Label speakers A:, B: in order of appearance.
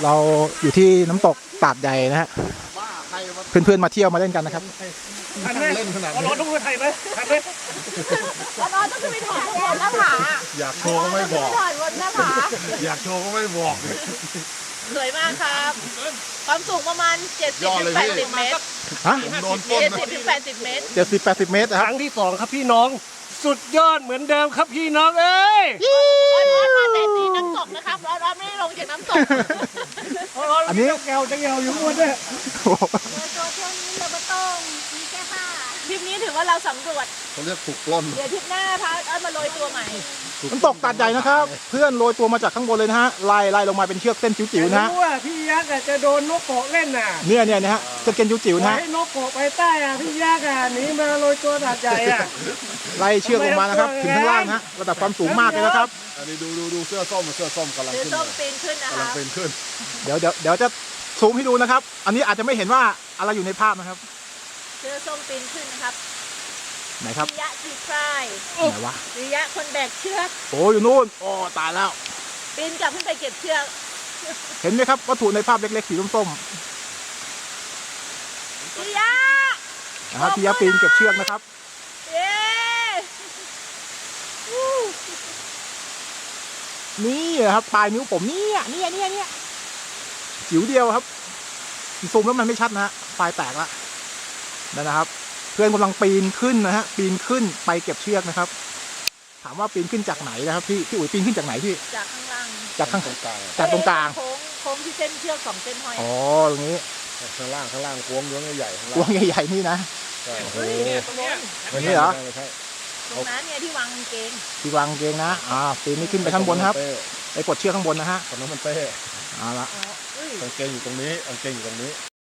A: เราอยู่ที่น้ำตกตาดใหญ่นะฮะเพื่อนๆมาเที่ยวมาเล่นกันนะครับ
B: ทันไหมเล่นขนาดนี้ร้อนต้องไปถ่ายไหมทันไหม
C: ร้อนต้องไปถอดบนหน้าผา
B: อยากโชว์ก็ไม่บอก
C: ถอดบนหน้าผา
B: อยากโชว์ก็ไม่บอก
C: สวยมากครับความสูงประมาณ70-80 เมตร
A: ฮะ
B: โดนต้น
C: 70-80 เมตร
A: 70-80 เมตรนะ
D: ค
A: ครับ
D: รั้งที่สองครับพี่น้องสุดยอดเหมือนเดิมครับพี่น้องเอ้ย
C: ร้อนมาแต่ตีน้ำตกนะครับร้อนไม่ได้ลงจากน้ำตก
A: อันนี้
D: แกวจะแกวอยู่หมดเลย
C: ตัวช่วงนี้เราไม่ต้องมีแค่ผ้าทริปนี้ถือว่าเราสำรวจ
B: เขาเรียกถูกปล้น
C: เดี๋ยวทริปหน้าพามาโรยตัวใหม่
A: น้ำตกตาดใหญ่นะครับ เพื่อนโรยตัวมาจากข้างบนเลยนะฮะไล่ลงมาเป็นเชือกเส้นจิ๋วๆนะฮะ
D: รู้ว่าพี่ยักษ์จะโดนนกเกาะเล่นน่ะ
A: เนี่ยนะฮะเส้นจิ๋วๆนะฮะ
D: ให้นกเกาะไปใต้อ่ะพี่ยักษ์หนีมาโรยตัวตัดใหญ่อ่ะ
A: ไล่เชือกลงมานะครับถึงข้างล่างนะฮะระดับความสูงมากเลยนะครับ
B: อันนี้ดูเสื้อส้มกำลัง
C: คือ
B: ขึ้น
C: ส้มปีนขึ้นนะ
B: กำลั
C: คะ
B: งเป็นขึ้น
A: เดี๋ยวจะซูมให้ดูนะครับ อันนี้อาจจะไม่เห็นว่าอะไรอยู่ในภาพนะครับ
C: เสื้อส้มปีนขึ้นนะครับ
A: ไหนครับ
C: วิยะจีพราย
A: ไหนวะ
C: วิยะคนแบกเชือก
A: โอ้อยู่นู่นโอ้ตายแล้ว
C: ปีนกลับขึ้นไปเก็บเชือก
A: เห็นไหมครับวัตถุในภาพเล็กๆสีส้ม
C: วิยะ
A: ๆนะครับพี่ยะปีนเก็บเชือกนะครับ
C: เย้วู้
A: นี่ครับปลายนิ้วผมเนี่ยจิ๋วเดียวครับซูมแล้วมันไม่ชัดนะฮะปลายแตกละนั่นนะครับ เพื่อนกำลังปีนขึ้นนะฮะปีนขึ้นไปเก็บเชือกนะครับ ถามว่าปีนขึ้นจากไหนนะครับพี่อุ๋ยปีนขึ้นจากไหนพี่
C: จากข้างล่าง
A: จากข้าง
B: ตรงกลาง
A: จากตรงกลาง
C: โค้งที่เส้นเชือก2 เส้นห้อย
A: อ๋อตรงนี้
B: ข้างล่างโค้งย้วงใหญ่ๆข้าง
A: ก
B: ล่าง
A: วงใหญ่ๆนี่นะ
B: ใช่
C: เฮ้ยเนี่ยตรงนู้น
A: อันนี้เหรอ
B: ไม่ใช่
C: ตรงนั้นเนี่ยที่วางกางเกง
A: ที่วางเกงนะปีนนี่ขึ้นไปข้างบนครับไปกดเชือกข้างบนนะฮะ
B: ตอนนั้นมันเป้
A: เอาละ
C: อ๋อเอ้ย
B: กางเกงอยู่ตรงนี้กางเกงอยู่ตรงนี้